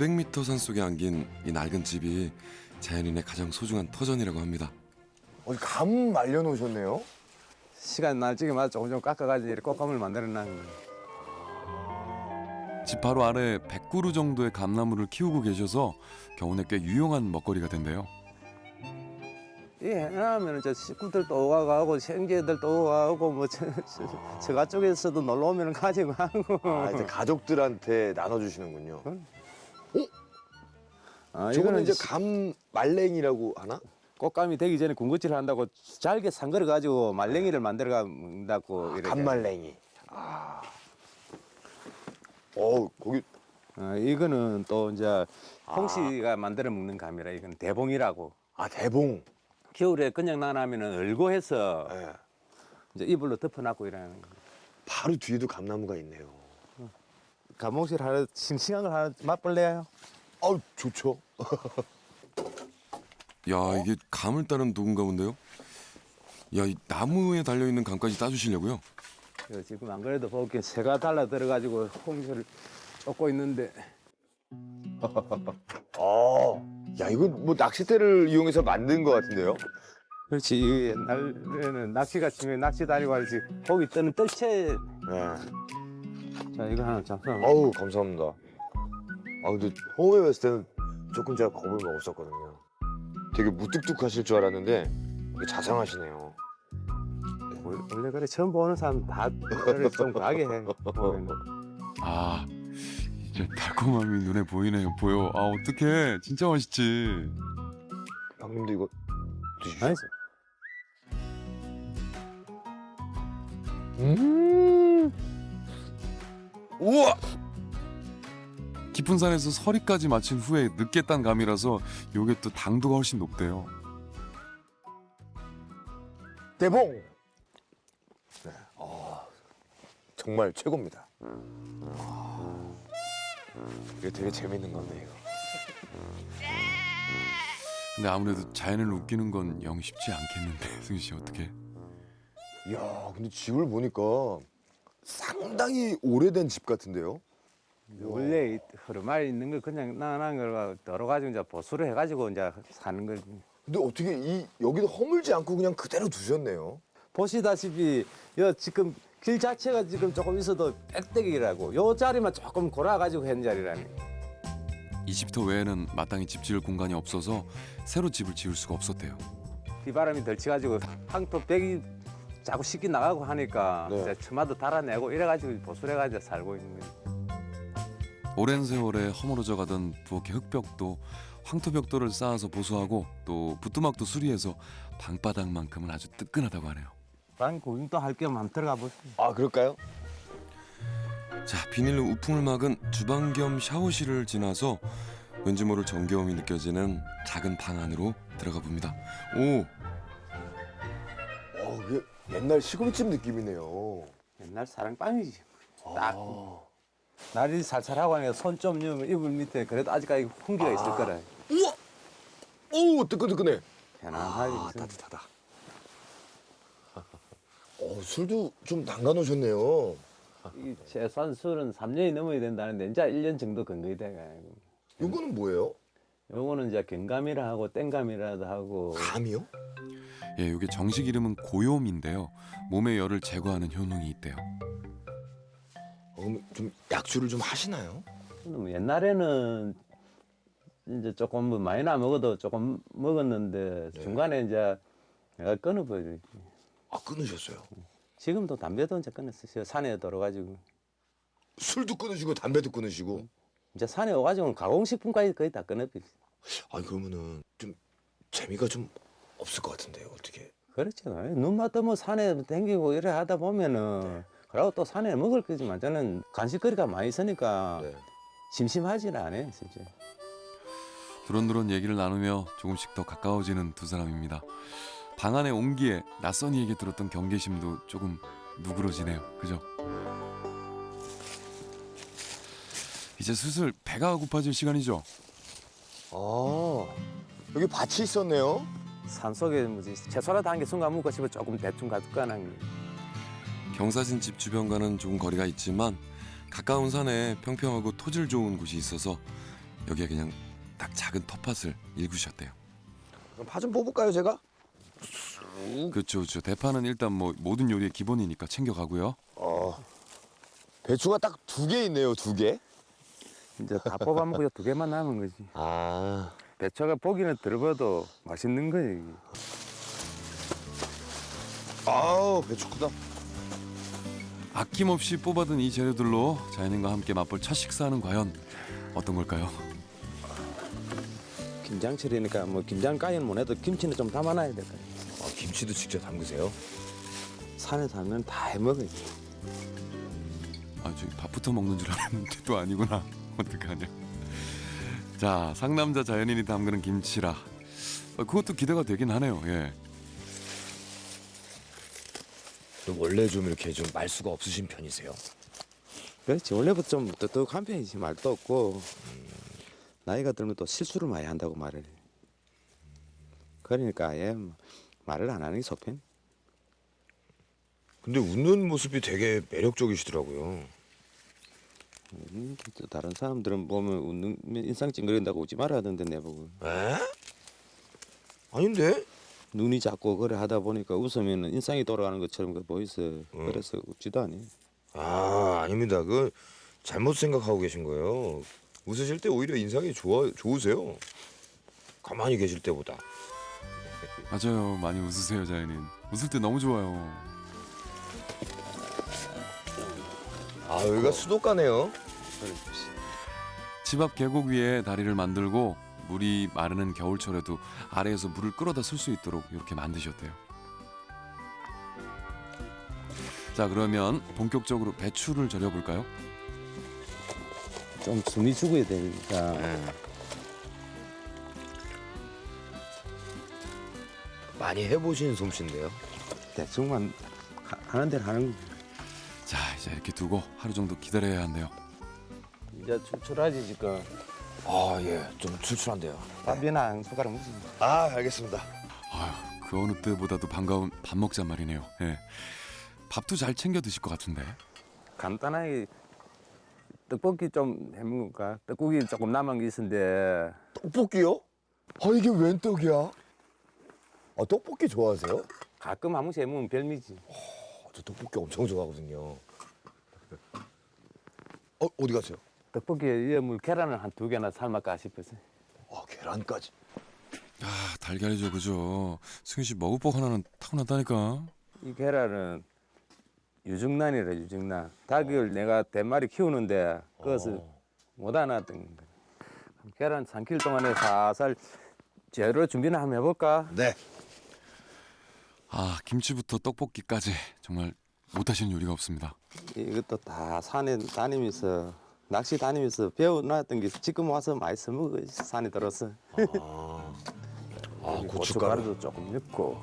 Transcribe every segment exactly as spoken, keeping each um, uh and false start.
오백 미터 산속에 안긴 이 낡은 집이 자연인의 가장 소중한 터전이라고 합니다. 어, 감 말려놓으셨네요. 시간 날짜마다 조금 좀 깎아가지고 이렇게 꽃감을 만들어 놓은 거예요. 집 바로 아래 백 그루 정도의 감나무를 키우고 계셔서 겨우내 꽤 유용한 먹거리가 된대요. 이 해놔면 저 식구들도 오가고 형제들도 오가고 뭐 저, 저, 저가 쪽에서도 놀러 오면 가지고 하고. 아, 이제 가족들한테 나눠주시는군요. 아, 저거는 이제 시- 감 말랭이라고 하나? 꽃감이 되기 전에 군것질을 한다고 잘게 상거려 가지고 말랭이를 만들어 간다고 이렇게. 감 말랭이. 아. 어, 거기 어, 이거는 또 이제 홍씨가 만들어 먹는 감이라 이건 대봉이라고. 아 대봉. 겨울에 그냥 나나면은 얼고해서 예. 이제 이불로 덮어놨고 이러는 거예요. 바로 뒤에도 감나무가 있네요. 감옥실 하나 싱싱한 걸 하나 맛볼래요? 아우 좋죠. 야, 이게 감을 따는 도구인가 본데요. 야, 이 나무에 달려 있는 감까지 따주시려고요? 저 지금 안 그래도 볼게 새가 달라 들어가지고 홍시를 쫓고 있는데 아, 야 이거 뭐 낚싯대를 이용해서 만든 것 같은데요? 그렇지 이 옛날에는 낚시가 중요해 낚시 다니고 하지 고기 뜨는 뜰채 네. 자 이거 하나 잡숴 아우 감사합니다. 아 근데 처음에 봤을 때는 조금 제가 겁을 먹었었거든요. 되게 무뚝뚝하실 줄 알았는데 되게 자상하시네요. 원래 그래 처음 보는 사람 다 그래 좀 가게 해 보면은. 아, 이제 달콤함이 눈에 보이네요. 보여. 아, 어떡해. 진짜 맛있지. 형님도 이거 드시죠. 아니지 음. 우와. 깊은 산에서 서리까지 마친 후에 늦게 딴 감이라서 요게 또 당도가 훨씬 높대요. 대봉. 네. 아, 정말 최고입니다. 아, 이게 되게 재밌는 건데 이거. 근데 아무래도 자연을 웃기는 건 영 쉽지 않겠는데, 승희 씨 어떻게? 이야, 근데 집을 보니까 상당히 오래된 집 같은데요? 원래 이 흐르마에 있는 걸 그냥 나난 걸 덜어가지고 이제 보수를 해가지고 이제 사는 거지. 근데 어떻게 이 여기도 허물지 않고 그냥 그대로 두셨네요? 보시다시피 여 지금 길 자체가 지금 조금 있어도 빽대기라고 요 자리만 조금 골아가지고 한 자리라니. 이 집터 외에는 마땅히 집 지을 공간이 없어서 새로 집을 지을 수가 없었대요. 비바람이 덜치가지고 황토 벽이 자꾸 씻기 나가고 하니까 네. 이제 처마도 달아내고 이래가지고 보수를 해가지고 살고 있는 거지. 오랜 세월에 허물어져 가던 부엌의 흙벽도 황토벽돌을 쌓아서 보수하고 또 부뚜막도 수리해서 방바닥만큼은 아주 뜨끈하다고 하네요. 방 구경도 할 겸 한번 들어가 보세요. 아, 그럴까요? 자, 비닐로 우풍을 막은 주방 겸 샤워실을 지나서 왠지 모를 정겨움이 느껴지는 작은 방 안으로 들어가 봅니다. 오, 어, 이게 옛날 시골집 느낌이네요. 옛날 사랑방이지. 딱 아. 날이 살살하고 하니까 손 좀 넣으면 이불 밑에 그래도 아직까지 훈기가 있을 아. 거라. 우와! 오, 뜨끈뜨끈해. 편안하게. 아, 있어. 따뜻하다. 어, 술도 좀 담가 놓으셨네요. 이 최소한 술은 삼 년이 넘어야 된다는데 이제 일 년 정도 근거이 돼가지고. 이거는 뭐예요? 요거는 이제 경감이라 하고 땡감이라도 하고 감이요? 예, 이게 정식 이름은 고요음인데요. 몸의 열을 제거하는 효능이 있대요. 어, 그럼 좀 약주를 좀 하시나요? 뭐 옛날에는 이제 조금 뭐 많이나 먹어도 조금 먹었는데 네. 중간에 이제 내가 끊어버리지. 아, 끊으셨어요. 지금도 담배도 이제 끊었어요. 산에 들어가지고 술도 끊으시고 담배도 끊으시고. 이제 산에 오가지고 가공식품까지 거의 다 끊어버리지. 아니 그러면은 좀 재미가 좀 없을 것 같은데요. 어떻게? 그렇죠. 눈만 뜨면 산에 댕기고 이래 하다 보면은 그러고 또 산에 먹을 거지만 저는 간식거리가 많이 있으니까 네. 심심하지는 않아요, 진짜. 두런두런 얘기를 나누며 조금씩 더 가까워지는 두 사람입니다. 방 안의 온기에 낯선 이에게 들었던 경계심도 조금 누그러지네요. 그죠? 이제 슬슬 배가 고파질 시간이죠. 아, 여기 밭이 있었네요. 산속에 뭐지 채소라도 한 개 순간 먹고 싶어 조금 대충 가득가는 게. 경사진 집 주변과는 조금 거리가 있지만 가까운 산에 평평하고 토질 좋은 곳이 있어서 여기에 그냥 딱 작은 텃밭을 일구셨대요. 그럼 파 좀 뽑을까요, 제가? 그렇죠, 그렇죠. 대파는 일단 뭐 모든 요리의 기본이니까 챙겨가고요. 어. 배추가 딱 두 개 있네요, 두 개. 이제 다 뽑아먹고 두 개만 남은 거지. 아. 배추가 보기는 들어봐도 맛있는 거지. 아우, 배추 크다. 아낌없이 뽑아둔 이 재료들로 자연인과 함께 맛볼 첫 식사는 과연 어떤 걸까요? 김장철이니까 뭐 김장까지는 못 해도 김치는 좀 담아놔야 될 거야. 아, 김치도 직접 담그세요? 산에 살면 다 해먹어야지. 아, 저기 밥부터 먹는 줄 알았는데 또 아니구나. 어떡하냐. 자, 상남자 자연인이 담그는 김치라. 어, 그것도 기대가 되긴 하네요. 예. 원래 좀 이렇게 좀 말수가 없으신 편이세요? 그렇지. 원래부터 좀 똑똑한 편이지. 말도 없고. 나이가 들면 또 실수를 많이 한다고 말을 해. 그러니까 아예 말을 안 하는 게 속편. 근데 웃는 모습이 되게 매력적이시더라고요. 음, 또 다른 사람들은 보면 웃는 인상 찡그린다고 웃지 말아야 하던데 내보고. 에? 아닌데? 눈이 자꾸 그래 하다 보니까 웃으면 인상이 돌아가는 것처럼 그 보이서. 그래서 웃지도 않니. 아, 아닙니다. 그 잘못 생각하고 계신 거예요. 웃으실 때 오히려 인상이 좋아 좋으세요. 가만히 계실 때보다. 맞아요. 많이 웃으세요, 자연인. 웃을 때 너무 좋아요. 아, 여기가 수도가네요. 집 앞 계곡 위에 다리를 만들고 물이 마르는 겨울철에도 아래에서 물을 끌어다 쓸 수 있도록 이렇게 만드셨대요. 자, 그러면 본격적으로 배추를 절여볼까요? 좀 숨이 죽어야 되니까. 많이 해보신 솜씨인데요. 대충만 하- 하는 대로 하는 거지. 자, 이제 이렇게 두고 하루 정도 기다려야 한대요. 이제 출출하지 지금. 아, 예, 좀 출출한데요. 밥이나 한 숟가락 무슨. 아, 알겠습니다. 아유, 그 어느 때보다도 반가운 밥 먹자 말이네요. 예. 밥도 잘 챙겨 드실 것 같은데. 간단하게 떡볶이 좀 해먹을까? 떡국이 조금 남은 게 있는데 떡볶이요? 아, 이게 웬 떡이야? 아, 떡볶이 좋아하세요? 가끔 한 번씩 해먹으면 별미지. 아, 저 떡볶이 엄청 좋아하거든요. 어, 어디 가세요? 떡볶이에 물 계란을 한 두 개나 삶을까 싶어서. 아, 계란까지. 아, 달걀이죠, 그죠? 승희 씨 먹을 법 하나는 타고났다니까. 이 계란은 유증란이래 유증란. 닭을 내가 대마리 키우는데 그것을 못 안았던 거야. 계란 삼 킬로그램 동안에 살살 재료 준비나 한번 해볼까? 네. 아, 김치부터 떡볶이까지 정말 못하시는 요리가 없습니다. 이것도 다 산에 다니면서 낚시 다니면서 배워놨던 게 지금 와서 많이 써먹어. 산에 들어서. 아, 아 고춧가루. 고춧가루도 조금 넣고.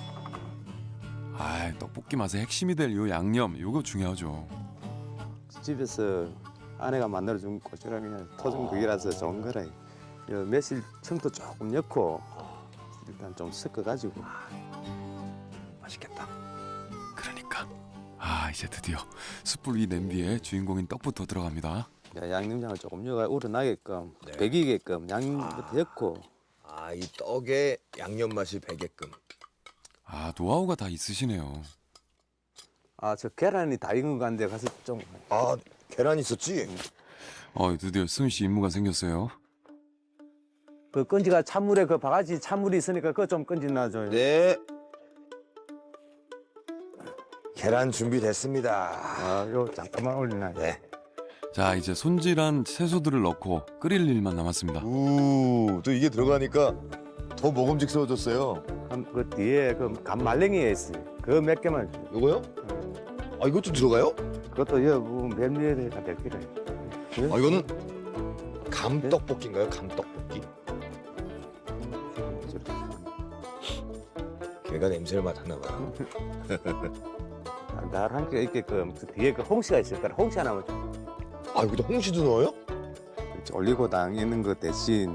아, 떡볶이 맛의 핵심이 될 요 양념, 요거 중요하죠. 집에서 아내가 만들어준 고추랑 그냥 토종 국이라서 좋은 거라. 요 매실 청도 조금 넣고 일단 좀 섞어가지고. 맛있겠다. 그러니까. 아, 이제 드디어 숯불 위 냄비에 주인공인 떡부터 들어갑니다. 야, 양념장을 조금 넣어가 우러나게끔 네. 배기게끔 양념부터 넣고. 아, 이 떡에 양념 맛이 배게끔. 아, 노하우가 다 있으시네요. 아, 저 계란이 다 익은 거 같은데 가서 좀. 아, 계란 있었지? 어, 드디어 승희 씨 임무가 생겼어요. 그 건지가 찬물에 그 바가지 찬물이 있으니까 그거 좀 건지 놔줘요. 네. 계란 준비됐습니다. 아, 요 잠깐만 올리나. 네. 자, 이제 손질한 채소들을 넣고 끓일 일만 남았습니다. 우, 또 이게 들어가니까 더 먹음직스러워졌어요. 그 뒤에 그 간말랭이에 있어요. 그 몇 개만. 줘. 요거요? 아, 이것도 들어가요? 그것도 여 멜미에다 될 거래. 아, 이거는 감떡볶이인가요? 감떡볶이? 걔가 냄새를 맡았나 봐요. 달달한 게 이렇게 그 뒤에 그 홍시가 있을 거라 홍시 하나만 좀 아, 여기다 홍시도 넣어요? 올리고당 있는 거 대신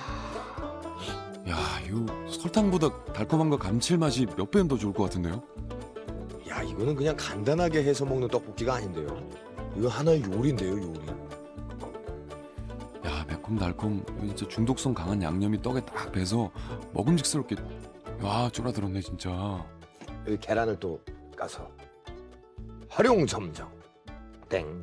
야, 이 설탕보다 달콤함과 감칠맛이 몇 배는 더 좋을 것 같은데요? 야, 이거는 그냥 간단하게 해서 먹는 떡볶이가 아닌데요. 이거 하나의 요리인데요, 요리. 야, 달콤달콤 진짜 중독성 강한 양념이 떡에 딱 배서 먹음직스럽게 와 쫄아들었네 진짜. 여기 계란을 또 까서 활용점정 땡.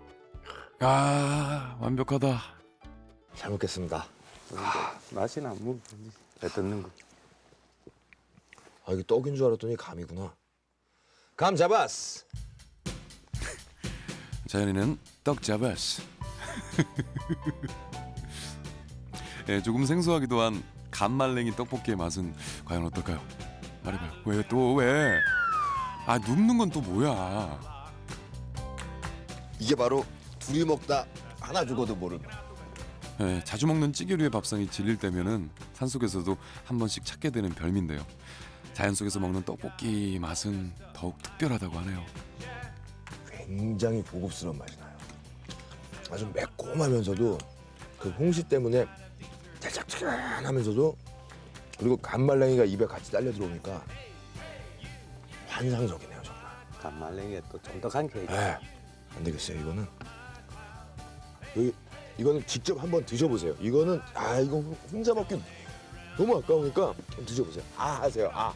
야 완벽하다. 잘 먹겠습니다. 맛이나 뭐 배 뜯는 거. 아 이게 떡인 줄 알았더니 감이구나. 감 잡았어. 자연이는 떡 잡았어. 예, 조금 생소하기도 한 간말랭이 떡볶이의 맛은 과연 어떨까요? 말해봐요. 왜 또 왜? 아 눕는 건 또 뭐야? 이게 바로 둘이 먹다 하나 죽어도 모르는. 예, 자주 먹는 찌개류의 밥상이 질릴 때면은 산속에서도 한 번씩 찾게 되는 별미인데요. 자연 속에서 먹는 떡볶이 맛은 더욱 특별하다고 하네요. 굉장히 고급스러운 맛이 나요. 아주 매콤하면서도 그 홍시 때문에 살짝 찌근하면서도 그리고 간말랭이가 입에 같이 딸려 들어오니까 환상적이네요 정말. 간말랭이에 또 쫀득한 게 있죠. 네, 안 되겠어요 이거는. 여기 이거는 직접 한번 드셔보세요. 이거는 아 이거 혼자 먹기 너무 아까우니까 한번 드셔보세요. 아 하세요. 아.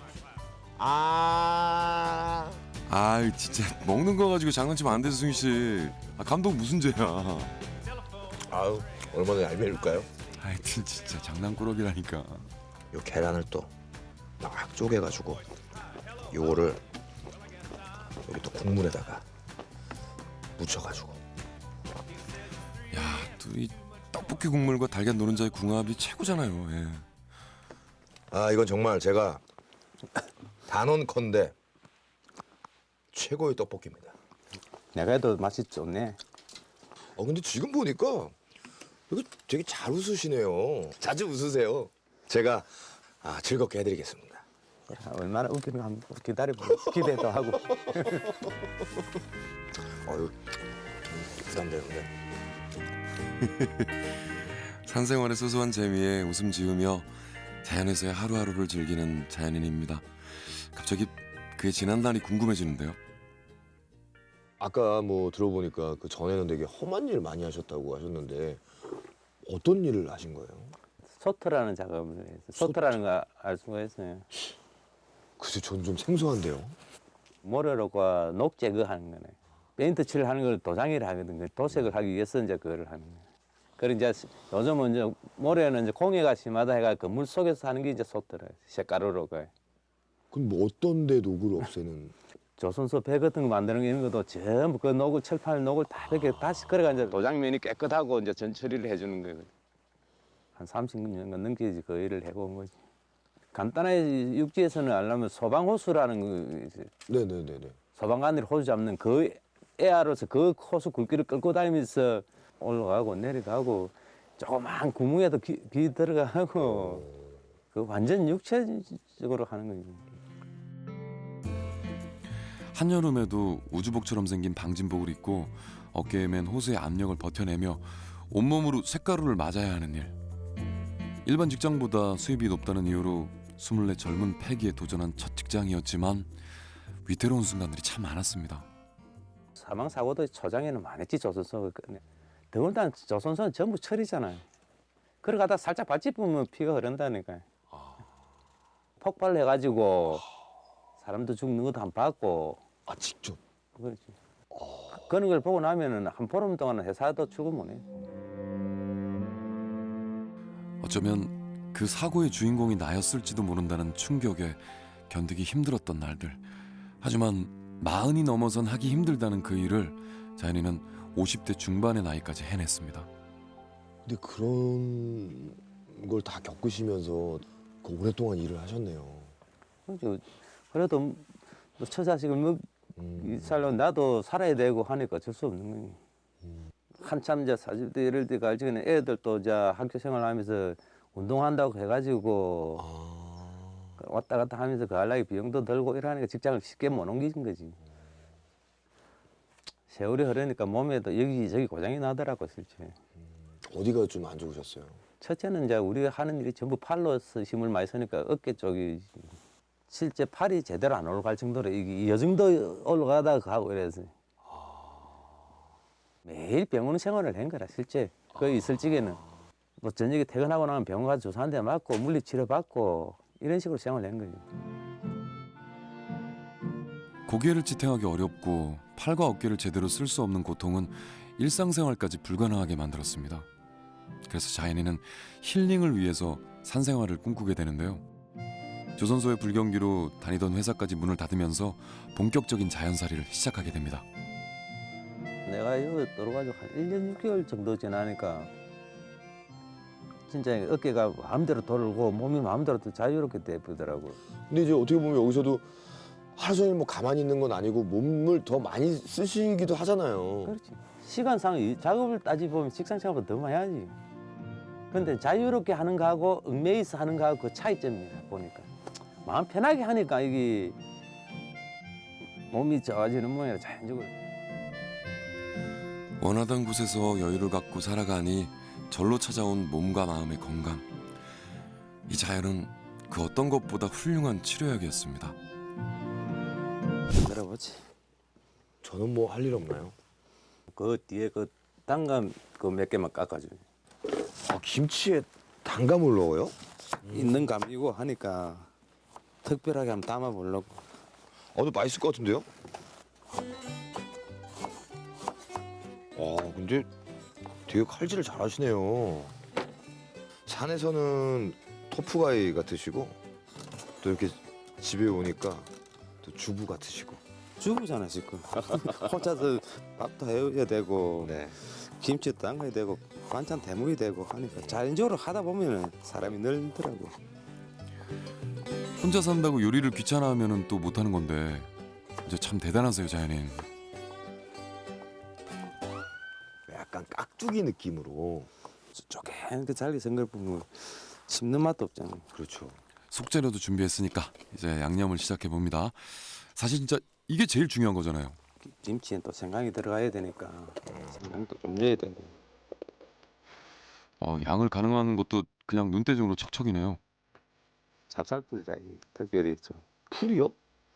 아. 아 진짜 먹는 거 가지고 장난치면 안 되죠 승희 씨. 아, 감독 무슨 죄야? 아유 얼마나 얄미울까요? 하여튼 진짜 장난꾸러기라니까. 요 계란을 또 막 쪼개가지고 요거를 여기 또 국물에다가 묻혀가지고. 야, 또 이 떡볶이 국물과 달걀 노른자의 궁합이 최고잖아요. 예. 아 이건 정말 제가 단언컨대 최고의 떡볶이입니다. 내가 해도 맛이 좋네. 어 근데 지금 보니까 이거 되게 잘 웃으시네요. 자주 웃으세요. 제가 아, 즐겁게 해드리겠습니다. 야, 얼마나 웃기는 거 한번 기다려보고 기대도 하고. 어유 부담되는데. 산생활의 소소한 재미에 웃음 지으며 자연에서의 하루하루를 즐기는 자연인입니다. 갑자기 그의 지난 날이 궁금해지는데요. 아까 뭐 들어보니까 그 전에는 되게 험한 일 많이 하셨다고 하셨는데 어떤 일을 하신 거예요? 소트라는 작업을 해서 소트라는 거 알 수가 있어요. 글쎄 전 좀 생소한데요. 모래로가 녹 제거하는 거네. 페인트 칠을 하는 걸 도장이라 하거든요. 도색을 하기 위해서 이제 그거를 하는 거예요. 그리고 이제 요즘은 이제 모래는 이제 공해가 심하다 해가 그 물 속에서 하는 게 이제 소트라 색가루로 그 그럼 뭐 어떤 데 녹을 없애는? 조선소 배 같은 거 만드는 거 이런 것도 전부 그 녹을 철판 녹을 다 이렇게 다시 그래가 이제 도장면이 깨끗하고 이제 전 처리를 해주는 거예요. 한 삼십 년 넘게 그 일을 해본 거지. 간단하게 육지에서는 알려면 소방호수라는 거 이제 네네네네. 소방관들이 호수 잡는 그 에아로서 그 호수 굵기를 끌고 다니면서 올라가고 내려가고 조그만 구멍에도 기, 기 들어가고 그 완전 육체적으로 하는 거지. 한여름에도 우주복처럼 생긴 방진복을 입고 어깨에 맨 호수의 압력을 버텨내며 온몸으로 쇳가루를 맞아야 하는 일. 일반 직장보다 수입이 높다는 이유로 스물네 젊은 패기에 도전한 첫 직장이었지만 위태로운 순간들이 참 많았습니다. 사망 사고도 초장에는 많았지 조선소. 더군다나 조선소는 전부 철이잖아요. 그러가다 살짝 발집 보면 피가 흐른다니까. 폭발해가지고 사람도 죽는 것도 안 봤고. 아 직접? 그렇지. 그런 걸 보고 나면은 한 보름 동안은 회사도 출근 못 해. 어쩌면 그 사고의 주인공이 나였을지도 모른다는 충격에 견디기 힘들었던 날들. 하지만 마흔이 넘어선 하기 힘들다는 그 일을 자연이는 오십 대 중반의 나이까지 해냈습니다. 근데 그런 걸 다 겪으시면서 그 오랫동안 일을 하셨네요. 그렇죠. 그래도 뭐 처자식을 뭐 음. 이 살로 나도 살아야 되고 하니까 어쩔 수 없는 거니. 한참 이제 사십 대 이럴 때가 알지는 애들도 이제 학교 생활하면서 운동한다고 해가지고 아. 왔다 갔다 하면서 그 할라기 비용도 들고 이러니까 직장을 쉽게 못 옮기는 거지. 세월이 흐르니까 몸에도 여기저기 고장이 나더라고 실제. 어디가 좀 안 좋으셨어요? 첫째는 이제 우리가 하는 일이 전부 팔로서 힘을 많이 쓰니까 어깨 쪽이 실제 팔이 제대로 안 올라갈 정도로 이 여정도 올라가다가 가고 이래서 매일 병원 생활을 한 거라 실제 그 있을 적에는 뭐 저녁에 퇴근하고 나면 병원 가서 주사 한 대 맞고 물리치료 받고 이런 식으로 생활을 한 거죠. 고개를 지탱하기 어렵고 팔과 어깨를 제대로 쓸 수 없는 고통은 일상생활까지 불가능하게 만들었습니다. 그래서 자연이는 힐링을 위해서 산생활을 꿈꾸게 되는데요. 조선소의 불경기로 다니던 회사까지 문을 닫으면서 본격적인 자연살이를 시작하게 됩니다. 내가 여기 들어가지고 한 일 년 육 개월 정도 지나니까 진짜 어깨가 마음대로 돌고 몸이 마음대로 또 자유롭게 되더라고요. 근데 이제 어떻게 보면 여기서도 하루 종일 뭐 가만히 있는 건 아니고 몸을 더 많이 쓰시기도 하잖아요. 그렇지. 시간상 이 작업을 따지보면 직장생활보다 더 많이 하지. 근데 자유롭게 하는 거하고 얽매이서 하는 거하고 그 차이점이야 보니까. 마음 편하게 하니까 이게 몸이 좋아지는 모양이라 자연적으로. 원하던 곳에서 여유를 갖고 살아가니 절로 찾아온 몸과 마음의 건강. 이 자연은 그 어떤 것보다 훌륭한 치료약이었습니다. 들어보지. 저는 뭐 할 일 없나요? 그 뒤에 그 단감 그 몇 개만 깎아줘. 아, 김치에 단감을 넣어요? 있는 감이고 하니까 특별하게 한번 담아보려고. 어, 도 맛있을 것 같은데요? 아, 근데 되게 칼질을 잘하시네요. 산에서는 토프가이 같으시고 또 이렇게 집에 오니까 또 주부 같으시고. 주부잖아 지금. 혼자서 밥도 해야 되고 네. 김치도 담가야 되고 반찬 대물이 되고 하니까 자연적으로 하다 보면 사람이 늘더라고. 혼자 산다고 요리를 귀찮아하면 또 못하는 건데 이제 참 대단하세요, 자연인. 약간 깍두기 느낌으로. 쪼개게 잘게 생걸 보면 씹는 맛도 없잖아. 그렇죠. 속재료도 준비했으니까 이제 양념을 시작해 봅니다. 사실 진짜 이게 제일 중요한 거잖아요. 김치엔 또 생강이 들어가야 되니까 생강도 좀 넣어야 되고. 어, 양을 가능한 것도 그냥 눈대중으로 척척이네요. 찹쌀풀이라 이 특별히 좀 풀이요?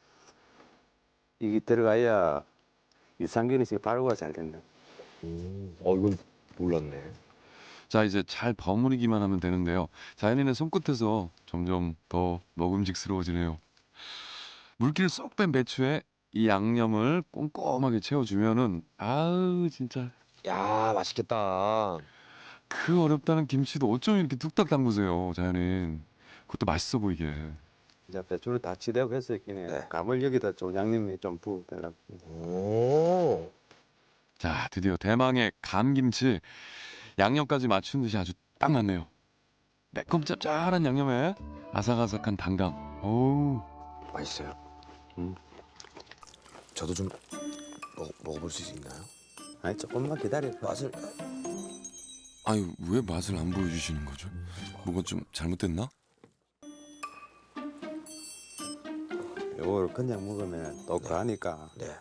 이게 들어가야 유산균이 발효가 잘 된다. 음. 어, 이건 몰랐네. 자, 이제 잘 버무리기만 하면 되는데요. 자연인의 손끝에서 점점 더 먹음직스러워지네요. 물기를 쏙 뺀 배추에 이 양념을 꼼꼼하게 채워주면은 아우 진짜 야, 맛있겠다. 그 어렵다는 김치도 어쩜 이렇게 뚝딱 담그세요, 자연인. 그것도 맛있어 보이게. 이제 배추를 다 치대고 했었긴 해. 네. 감을 여기다 좀 양념에 좀 부어달라고. 오. 자, 드디어 대망의 감김치. 양념까지 맞춘 듯이 아주 딱 맞네요. 매콤 짭짤한 양념에 아삭아삭한 단감. 어우. 맛있어요. 음. 저도 좀 먹, 먹어볼 수 있나요? 아니 조금만 기다려. 맛을. 아유, 왜 맛을 안 보여주시는 거죠? 뭐가 좀 잘못됐나? 요걸 그냥 먹으면 또 가니까. 네.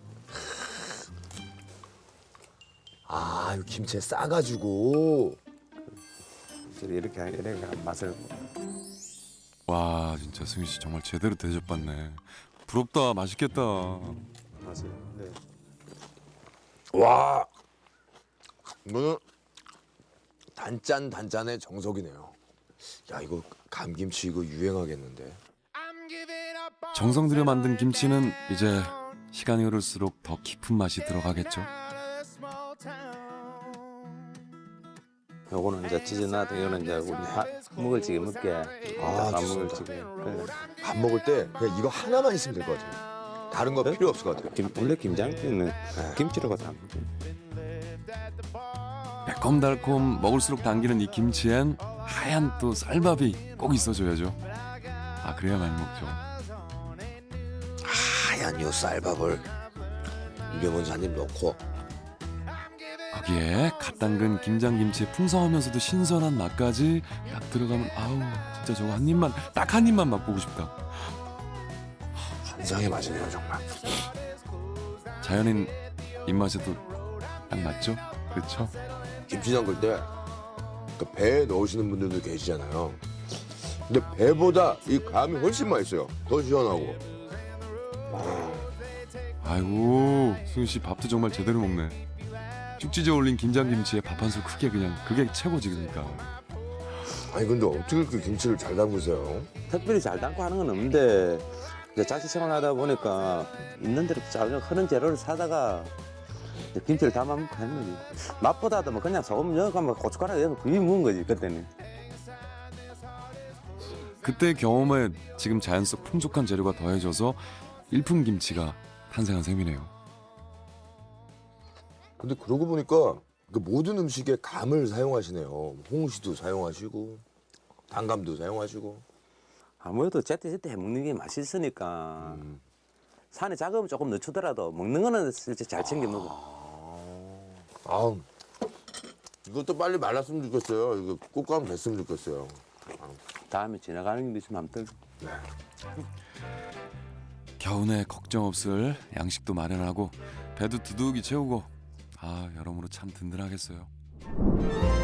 아, 이 김치에 싸가지고. 이렇게 이렇게 한 맛을. 와, 진짜 승희 씨 정말 제대로 대접받네. 부럽다, 맛있겠다. 맛을. 네. 와. 이거는 단짠 단짠의 정석이네요. 야, 이거 감김치 이거 유행하겠는데. 정성 들여 만든 김치는 이제 시간이 흐를수록 더 깊은 맛이 들어가겠죠. 요거는 이제 찢어놔도 이거는 이제 우리 밥 먹을 적에 먹게. 아, 밥 좋습니다. 먹을 적에. 그래. 밥 먹을 때 그냥 이거 하나만 있으면 될 것 같아요. 다른 거 필요 없을 것 같아요. 김, 원래 김장찌는 김치로가 다 먹지. 매콤달콤 먹을수록 당기는 이 김치엔 하얀 또 쌀밥이 꼭 있어줘야죠. 아, 그래야 많이 먹죠. 하얀 요 쌀밥을 입에 먼저 한 입 넣고. 거기에 갓 담근 김장김치의 풍성하면서도 신선한 맛까지 딱 들어가면 아우 진짜 저거 한 입만 딱 한 입만 맛보고 싶다. 환상의 맛이네요 정말. 자연인 입맛에도 딱 맞죠? 그렇죠? 김치 담글 때 그 배에 넣으시는 분들도 계시잖아요. 근데 배보다 이 감이 훨씬 맛있어요. 더 시원하고. 아이고 수윤 씨 밥도 정말 제대로 먹네. 쭉지져 올린 김장김치에 밥 한 술 크게 그냥 그게 최고지 그러니까. 아니 근데 어떻게 이렇게 김치를 잘 담그세요? 특별히 잘 담고 하는 건 없는데 이제 자취 생활하다 보니까 있는 대로 잘 흐른 재료를 사다가 이제 김치를 담아 먹고 하는 거지. 맛보다도 뭐 그냥 소금 넣어가면 고춧가루 넣어서 비벼 먹은 거지 그때는. 그때 경험에 지금 자연 속 풍족한 재료가 더해져서 일품 김치가 탄생한 셈이네요. 근데 그러고 보니까 그 모든 음식에 감을 사용하시네요. 홍시도 사용하시고 단감도 사용하시고. 아무래도 제때제때 해먹는 게 맛있으니까 음. 산에 작으면 조금 늦추더라도 먹는 거는 실제 잘 챙겨 먹어. 아, 이것도 빨리 말랐으면 좋겠어요. 이거 꽃감 됐으면 좋겠어요. 다음에 지나가는 게 있으면 한번 들. 겨우내 걱정 없을 양식도 마련하고 배도 두둑이 채우고 아 여러모로 참 든든하겠어요.